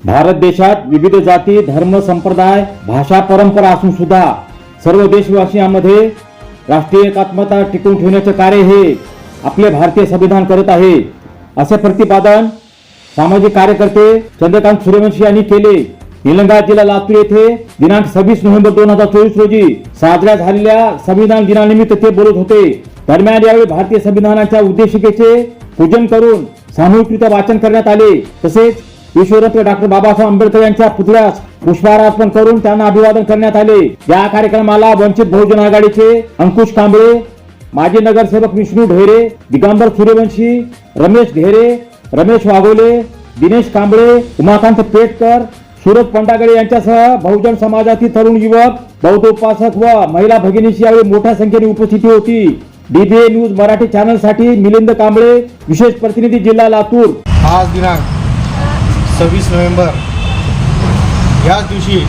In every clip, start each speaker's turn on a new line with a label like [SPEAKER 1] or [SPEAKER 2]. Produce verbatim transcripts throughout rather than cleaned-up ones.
[SPEAKER 1] भारत देशात विविध जाती, धर्म, संप्रदाय, भाषा, परंपरा असून सुद्धा सर्व देशवासियांमध्ये राष्ट्रीय एकात्मता टिकवून ठेवण्याचे कार्य हे आपले भारतीय संविधान करत आहे, असे प्रतिपादन सामाजिक कार्यकर्ते चंद्रकांत सूर्यवंशी यांनी केले। निलंगा जिल्हा लातूर येथे दिनांक सव्वीस नोव्हेंबर दोन हजार चोवीस रोजी साजऱ्या झालेल्या संविधान दिनानिमित्त ते बोलत होते। दरम्यान यावेळी भारतीय संविधानाच्या उद्देशिकेचे पूजन करून सामूहिकरित्या वाचन करण्यात आले। तसेच विश्वरत्न डॉक्टर बाबासाहेब आंबेडकर यांच्या पुतळ्यास पुष्पहार अर्पण करून त्यांना अभिवादन करण्यात आले। या कार्यक्रमाला वंचित बहुजन आघाडीचे अंकुश कांबळे, माजी नगरसेवक विष्णू ढेरे, दिगंबर सूर्यवंशी, रमेश ढेरे, रमेश वाघोले, दिनेश कांबळे, उमाकांत पेटकर, सूरज पंडागळे यांच्यासह बहुजन समाजातील तरुण युवक, बौद्ध उपासक व महिला भगिनींची यावेळी मोठ्या संख्येने उपस्थिती होती। डीबीए न्यूज मराठी चॅनल साठी मिलिंद कांबळे, विशेष प्रतिनिधी जिल्हा लातूर।
[SPEAKER 2] आज दिनांक सव्वीस नोव्हेंबर याच दिवशी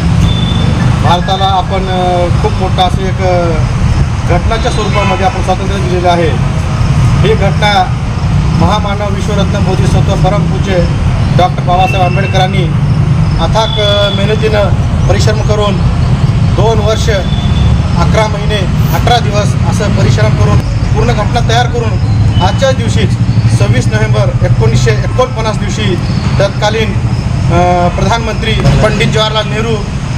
[SPEAKER 2] भारताला आपण खूप मोठा असं एक घटनाच्या स्वरूपामध्ये आपण स्वातंत्र्य दिलेलं आहे। ही घटना महामानव विश्वरत्न बोधिसत्व परमपूज्य डॉक्टर बाबासाहेब आंबेडकरांनी अथाक मेहनतीनं परिश्रम करून दोन वर्ष अकरा महिने अठरा दिवस असं परिश्रम करून पूर्ण घटना तयार करून आजच्याच दिवशीच सव्वीस नोव्हेंबर एकोणीसशे एकोणपन्नास दिवशी तत्कालीन प्रधानमंत्री पंडित जवाहरलाल नेहरू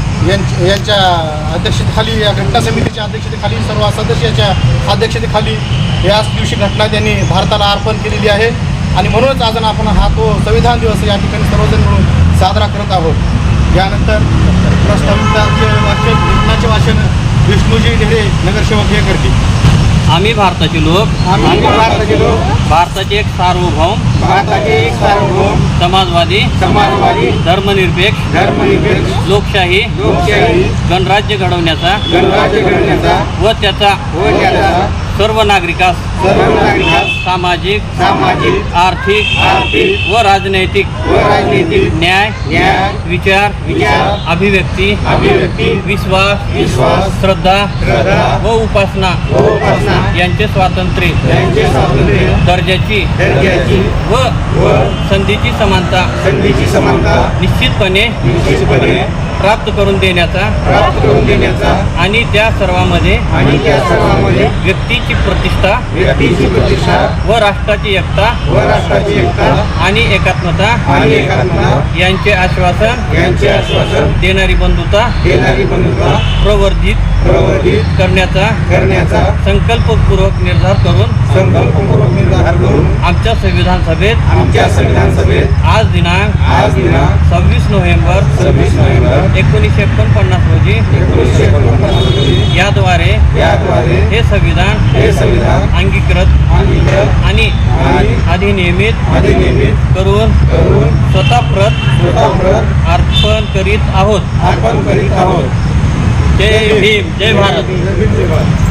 [SPEAKER 2] यांच्या अध्यक्षतेखाली, या घटना समितीच्या अध्यक्षतेखाली, सर्व सदस्याच्या अध्यक्षतेखाली याच दिवशी घटना त्यांनी भारताला अर्पण केलेली आहे। आणि म्हणूनच आज आपण हा तो संविधान दिवस या ठिकाणी सर्वजण मिळून साजरा करत आहोत। यानंतर प्रस्ताविताचे वाचन घटनाचे वाचन विष्णूजी ढेरे नगरसेवक हे करतील।
[SPEAKER 3] आम्ही भारताचे लोक
[SPEAKER 2] आम्ही भारताचे लोक
[SPEAKER 3] भारताचे एक सार्वभौम
[SPEAKER 2] भारताचे एक सार्वभौम
[SPEAKER 3] समाजवादी
[SPEAKER 2] समाजवादी
[SPEAKER 3] धर्मनिरपेक्ष
[SPEAKER 2] धर्मनिरपेक्ष
[SPEAKER 3] लोकशाही
[SPEAKER 2] लोकशाही
[SPEAKER 3] गणराज्य घडवण्याचा
[SPEAKER 2] गणराज्य घडवण्याचा
[SPEAKER 3] व त्याचा
[SPEAKER 2] व त्याचा
[SPEAKER 3] सर्व नागरिकास
[SPEAKER 2] सर्व नागरिकांस
[SPEAKER 3] सामाजिक
[SPEAKER 2] सामाजिक
[SPEAKER 3] आर्थिक
[SPEAKER 2] आर्थिक
[SPEAKER 3] व राजनैतिक
[SPEAKER 2] व राजनीतिक
[SPEAKER 3] न्याय
[SPEAKER 2] न्याय
[SPEAKER 3] विचार
[SPEAKER 2] विचार
[SPEAKER 3] अभिव्यक्ती
[SPEAKER 2] अभिव्यक्ती
[SPEAKER 3] विश्वास
[SPEAKER 2] विश्वास
[SPEAKER 3] श्रद्धा
[SPEAKER 2] श्रद्धा
[SPEAKER 3] व उपासना
[SPEAKER 2] व उपासना
[SPEAKER 3] यांचे स्वातंत्र्य
[SPEAKER 2] यांचे स्वातंत्र्य
[SPEAKER 3] दर्जाची
[SPEAKER 2] दर्जाची
[SPEAKER 3] व
[SPEAKER 2] व
[SPEAKER 3] संधीची समानता
[SPEAKER 2] संधीची समानता
[SPEAKER 3] निश्चितपणे
[SPEAKER 2] निश्चितपणे
[SPEAKER 3] प्राप्त करून देण्याचा
[SPEAKER 2] प्राप्त करून देण्याचा
[SPEAKER 3] आणि त्या सर्वांमध्ये
[SPEAKER 2] आणि त्या सर्वांमध्ये
[SPEAKER 3] व्यक्तीची प्रतिष्ठा
[SPEAKER 2] व्यक्तीची प्रतिष्ठा
[SPEAKER 3] व राष्ट्राची एकता
[SPEAKER 2] व राष्ट्राची एकता
[SPEAKER 3] आणि एकात्मता
[SPEAKER 2] आणि एकात्मता
[SPEAKER 3] यांचे आश्वासन
[SPEAKER 2] यांचे आश्वासन
[SPEAKER 3] देणारी बंधुता
[SPEAKER 2] देणारी बंधुता
[SPEAKER 3] प्रवर्धित
[SPEAKER 2] प्रवर्धित
[SPEAKER 3] करण्याचा
[SPEAKER 2] करण्याचा
[SPEAKER 3] संकल्पपूर्वक निर्धार करून
[SPEAKER 2] संकल्पपूर्वक निर्धार करून
[SPEAKER 3] आमच्या संविधान सभेत
[SPEAKER 2] आमच्या संविधान सभेत
[SPEAKER 3] आज दिनांक
[SPEAKER 2] आज दिनांक
[SPEAKER 3] सव्वीस नोव्हेंबर
[SPEAKER 2] सव्वीस नोव्हेंबर
[SPEAKER 3] एकोणीसशे एकोणपन्नास रोजी
[SPEAKER 2] एकोणीसशे एकोणपन्नास रोजी
[SPEAKER 3] याद्वारे
[SPEAKER 2] याद्वारे
[SPEAKER 3] हे संविधान
[SPEAKER 2] हे संविधान
[SPEAKER 3] अंगीकृत
[SPEAKER 2] अंगीकृत
[SPEAKER 3] आणि
[SPEAKER 2] आणि
[SPEAKER 3] अधिनियमित
[SPEAKER 2] अधिनियमित
[SPEAKER 3] करून
[SPEAKER 2] करून
[SPEAKER 3] स्वतः प्रत
[SPEAKER 2] स्वतःप्रत
[SPEAKER 3] अर्पण करीत आहोत।
[SPEAKER 2] अर्पण करीत आहोत।
[SPEAKER 3] जय भीम, जय भारत।
[SPEAKER 2] जय भारत।